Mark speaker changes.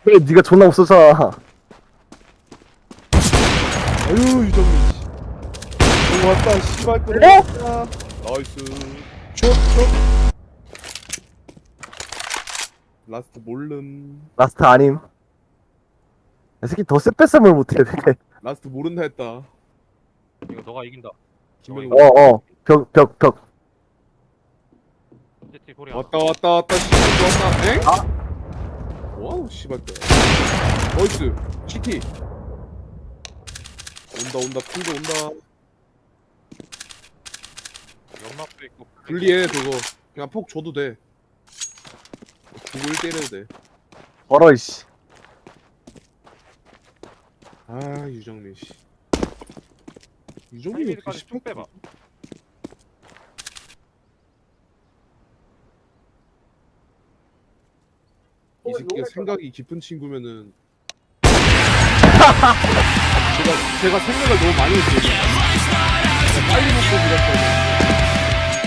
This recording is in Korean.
Speaker 1: 그래 니가 존나 없어져.
Speaker 2: 아유 유정민 씨. 오 왔다 씨발 또
Speaker 1: 어?
Speaker 2: 왔다. 나이스. 슛슛. 라스트 몰름.
Speaker 1: 라스트 아님. 이 새끼 더 쎄뺐으면 못해.
Speaker 2: 라스트 모른다 했다.
Speaker 3: 이거 너가 이긴다.
Speaker 2: 김명희
Speaker 1: 어어 벽.
Speaker 3: 제티 소리 안.
Speaker 2: 왔다 씨발 또 왔다. 엥? 와우 씨발 또. 나이스. CT. 온다 큰거 온다.
Speaker 3: 연막도 있고.
Speaker 2: 분리해 저거. 그냥 폭 줘도 돼. 죽을 때려도 돼.
Speaker 1: 걸어 이씨.
Speaker 2: 아 유정민 씨. 유정민이 어떻게
Speaker 3: 하이미드까지 쭉 빼봐.
Speaker 2: 이 새끼가 생각이 깊은 친구면은 제가 생각을 너무 많이 했어요.